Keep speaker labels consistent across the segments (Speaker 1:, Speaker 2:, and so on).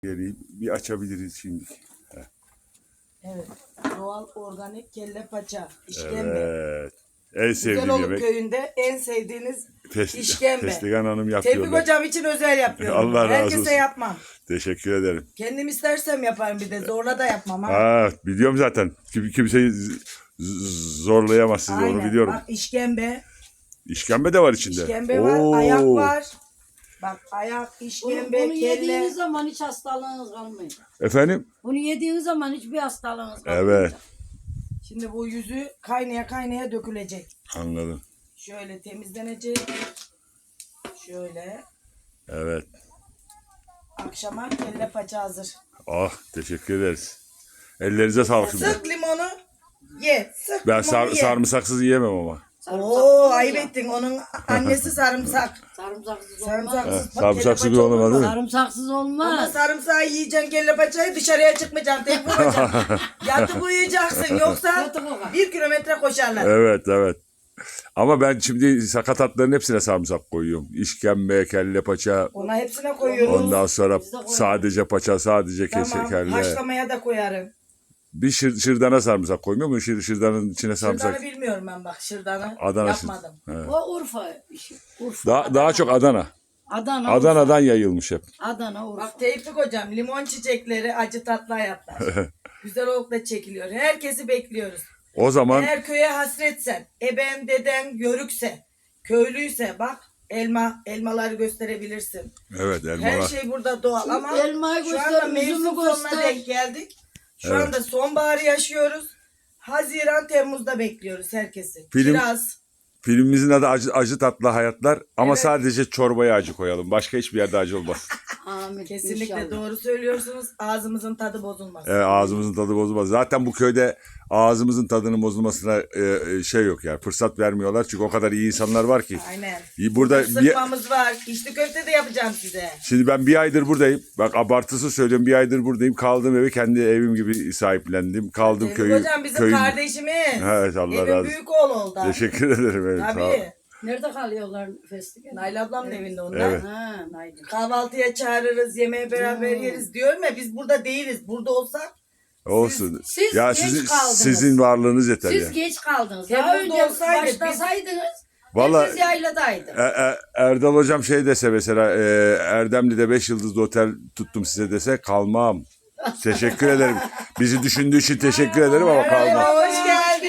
Speaker 1: Geleyim. Bir açabiliriz şimdi.
Speaker 2: Evet. Doğal organik kelle paça. İşkembe.
Speaker 1: Evet. En sevdiğim
Speaker 2: Güzeloluk
Speaker 1: yemek.
Speaker 2: köyünde en sevdiğiniz işkembe.
Speaker 1: Festigan Hanım yapıyor.
Speaker 2: Tevfik hocam için özel yapıyorum.
Speaker 1: Allah razı
Speaker 2: Herkese
Speaker 1: olsun.
Speaker 2: yapmam.
Speaker 1: Teşekkür ederim.
Speaker 2: Kendim istersem yaparım bir de. Zorla da yapmam ha.
Speaker 1: Ha, biliyorum zaten. Kimseyi zorlayamaz sizi, onu biliyorum.
Speaker 2: Bak işkembe.
Speaker 1: İşkembe de var içinde.
Speaker 2: İşkembe var. Ayak var. Bak ayak, işkembe,
Speaker 3: Bunu
Speaker 2: kelle.
Speaker 3: yediğiniz zaman hiç hastalığınız kalmıyor.
Speaker 1: Efendim?
Speaker 3: Bunu yediğiniz zaman hiçbir hastalığınız kalmıyor.
Speaker 1: Evet.
Speaker 2: Şimdi bu yüzü kaynaya kaynaya dökülecek.
Speaker 1: Anladım.
Speaker 2: Şöyle temizlenecek. Şöyle.
Speaker 1: Evet.
Speaker 2: Akşama kelle paça hazır.
Speaker 1: Ah, teşekkür ederiz. Ellerinize sağlık şimdi.
Speaker 2: Sık limonu. Ye. Sık
Speaker 1: Ben
Speaker 2: limonu ye.
Speaker 1: sarımsaksız yiyemem ama.
Speaker 2: Oo ayıp ettin. Onun annesi sarımsak.
Speaker 3: Sarımsaksız olmaz.
Speaker 2: Sarımsaksız. bak,
Speaker 1: sarımsaksız
Speaker 2: kelle
Speaker 1: bir
Speaker 2: paça
Speaker 1: olmaz
Speaker 2: olur mu?
Speaker 1: değil mi?
Speaker 3: Sarımsaksız
Speaker 2: Ama
Speaker 3: olmaz.
Speaker 2: sarımsağı yiyeceksin kelle paçayı dışarıya çıkmayacaksın. Tevfik hocam. Yatıp uyuyacaksın yoksa
Speaker 3: Yatıp uyuyacaksın.
Speaker 2: 1 kilometre koşarlar.
Speaker 1: Evet, evet. Ama ben şimdi sakatatların hepsine sarımsak koyuyorum. İşkembe, kelle paça,
Speaker 2: Ona hepsine koyuyoruz.
Speaker 1: ondan sonra
Speaker 3: Biz de koyuyoruz.
Speaker 1: sadece paça, sadece
Speaker 2: Tamam.
Speaker 1: kelle.
Speaker 2: Haşlamaya da koyarım.
Speaker 1: Bir şırdana sarımsak koymuyor mu? Şırdanın içine sarımsak.
Speaker 2: Şırdanı bilmiyorum ben bak. Şırdanı
Speaker 1: Adana
Speaker 2: yapmadım.
Speaker 3: O Urfa işi. Urfa.
Speaker 1: Daha çok Adana.
Speaker 3: Adana.
Speaker 1: Adana'dan yayılmış hep.
Speaker 3: Adana Urfa.
Speaker 2: Bak Tevfik hocam limon çiçekleri acı tatlı hayatlar. Güzel olukla çekiliyor. Herkesi bekliyoruz.
Speaker 1: O zaman
Speaker 2: Eğer köye hasretsen, eben deden yörükse, köylüyse bak elmaları gösterebilirsin.
Speaker 1: evet,
Speaker 2: Her
Speaker 1: elmalar.
Speaker 2: şey burada doğal ama
Speaker 3: elmayı
Speaker 2: şu
Speaker 3: göster,
Speaker 2: anda
Speaker 3: üzümü
Speaker 2: mevsim sonuna
Speaker 3: göster.
Speaker 2: denk geldik. Şu
Speaker 1: Evet.
Speaker 2: anda sonbaharı yaşıyoruz. Haziran, Temmuz'da bekliyoruz herkesi.
Speaker 1: Film-
Speaker 2: Kiraz.
Speaker 1: Filmimizin adı acı tatlı hayatlar ama
Speaker 2: Evet.
Speaker 1: sadece çorbaya acı koyalım. Başka hiçbir yerde acı olmaz.
Speaker 3: Amin.
Speaker 2: Kesinlikle
Speaker 3: İnşallah.
Speaker 2: doğru söylüyorsunuz. Ağzımızın tadı bozulmaz.
Speaker 1: Evet, ağzımızın tadı bozulmaz. Zaten bu köyde ağzımızın tadının bozulmasına şey yok yani. Fırsat vermiyorlar. Çünkü o kadar iyi insanlar var ki.
Speaker 2: Aynen.
Speaker 1: Burada
Speaker 2: Sıkmamız var. İçli köfte de yapacağım size.
Speaker 1: şimdi ben bir aydır buradayım. Bak abartısı söylüyorum. Bir aydır buradayım. Kaldığım evi kendi evim gibi sahiplendim. Kaldım
Speaker 2: Tevfik
Speaker 1: köyü.
Speaker 2: hocam bizim
Speaker 1: köyün-
Speaker 2: kardeşimiz.
Speaker 1: Evet, Allah
Speaker 2: Evin
Speaker 1: razı olsun.
Speaker 2: büyük oğlu oldu.
Speaker 1: Teşekkür ederim. Evet, sağ ol.
Speaker 2: Tabii.
Speaker 3: Nerede kalıyorlar festival?
Speaker 2: Nail ablamın evinde onlar.
Speaker 1: Evet.
Speaker 3: Ha, Naydın.
Speaker 2: Kahvaltıya çağırırız, yemeğe beraber yeriz diyorum ya biz burada değiliz. Burada olsak
Speaker 1: Olsun.
Speaker 3: siz
Speaker 1: ya
Speaker 3: geç kaldınız.
Speaker 1: sizin varlığınız yeter
Speaker 3: Siz
Speaker 1: ya.
Speaker 3: geç kaldınız. Daha
Speaker 2: Temmuz'da
Speaker 3: önce
Speaker 2: olsaydı biz-
Speaker 3: başlasaydınız
Speaker 1: Vallahi-
Speaker 3: herkes yayladaydı.
Speaker 1: Erdal hocam şey dese mesela Erdemli'de 5 yıldızlı otel tuttum size dese kalmam. Teşekkür ederim. Bizi düşündüğü için teşekkür ederim ama kalmam.
Speaker 2: merhaba, hoş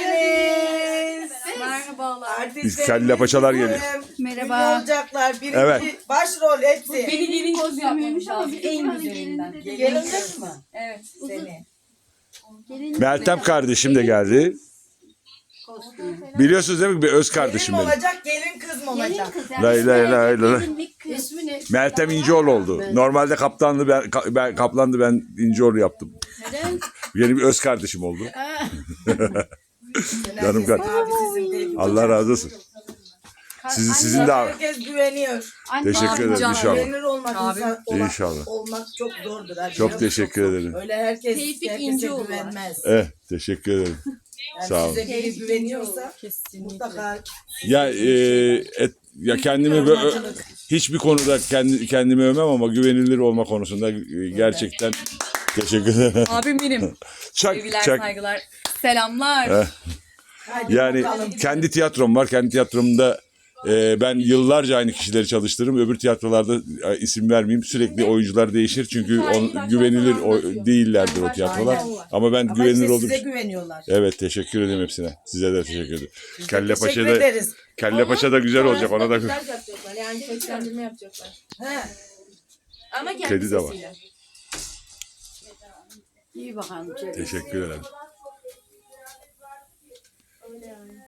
Speaker 2: geldiniz.
Speaker 4: Merhabalar.
Speaker 2: Artistlerimiz
Speaker 1: kelle paçalar
Speaker 2: bizim.
Speaker 1: geliyor.
Speaker 4: Merhaba.
Speaker 2: Ünlü olacaklar. Birinci
Speaker 1: Evet.
Speaker 2: başrol hepsi.
Speaker 4: Beni gelin kostümüymüş ama en güzelinden.
Speaker 2: Gelin kız mı?
Speaker 4: Evet.
Speaker 2: Seni.
Speaker 1: Meltem kardeşim de geldi. Biliyorsunuz değil mi? Bir öz kardeşim
Speaker 2: Gelin mi
Speaker 1: benim.
Speaker 2: olacak, gelin kız mı olacak?
Speaker 1: Lay lay lay lay.
Speaker 3: İsmi ne?
Speaker 1: Meltem İnceoğlu oldu. Normalde kaptanlı ben kaplandı, ben İnceoğlu yaptım.
Speaker 3: Neden?
Speaker 1: Benim öz kardeşim oldu. Canım
Speaker 2: Herkesin
Speaker 1: kardeşim.
Speaker 2: abisizin değil.
Speaker 1: Allah razı olsun. Sizin de
Speaker 2: Herkes güveniyor.
Speaker 1: teşekkür ederim inşallah.
Speaker 2: Güvenilir olmak,
Speaker 1: İnşallah.
Speaker 2: olmak çok zordur. abi.
Speaker 1: Çok teşekkür ederim.
Speaker 2: Öyle herkes
Speaker 4: Tevfik
Speaker 2: herkese
Speaker 4: İnceoğlu var.
Speaker 2: güvenmez.
Speaker 1: Teşekkür ederim.
Speaker 2: Yani
Speaker 1: Sağ olun.
Speaker 2: size biri güveniyorsa
Speaker 4: Kesinlikle.
Speaker 2: mutlaka
Speaker 1: Ya kendimi hiçbir konuda kendimi övmem ama güvenilir olma konusunda gerçekten teşekkür ederim.
Speaker 4: Abim benim.
Speaker 1: Çak
Speaker 4: Sevgiler,
Speaker 1: çak.
Speaker 4: saygılar. Selamlar.
Speaker 2: hadi
Speaker 1: Yani
Speaker 2: bakalım.
Speaker 1: kendi tiyatrom var. Kendi tiyatromda ben yıllarca aynı kişileri çalıştırırım. Öbür tiyatrolarda isim vermeyeyim. Sürekli oyuncular değişir. Çünkü güvenilir değillerdir o tiyatrolar.
Speaker 2: Aynen.
Speaker 1: Ama ben
Speaker 2: Ama
Speaker 1: güvenilir
Speaker 2: işte
Speaker 1: olduğum
Speaker 2: size
Speaker 1: için.
Speaker 2: güveniyorlar.
Speaker 1: Evet, teşekkür ederim hepsine. Size de teşekkür ederim. Kelle
Speaker 2: Teşekkür
Speaker 1: Paşa'da
Speaker 2: ederiz.
Speaker 1: Kelle Paşa'da güzel olacak. Ona da
Speaker 4: yapacaklar. Yani seslendirme yapacaklar.
Speaker 2: He.
Speaker 4: Ama kendi
Speaker 1: Kedi de var.
Speaker 4: sesiyle.
Speaker 3: İyi bakalım.
Speaker 1: teşekkür ederim.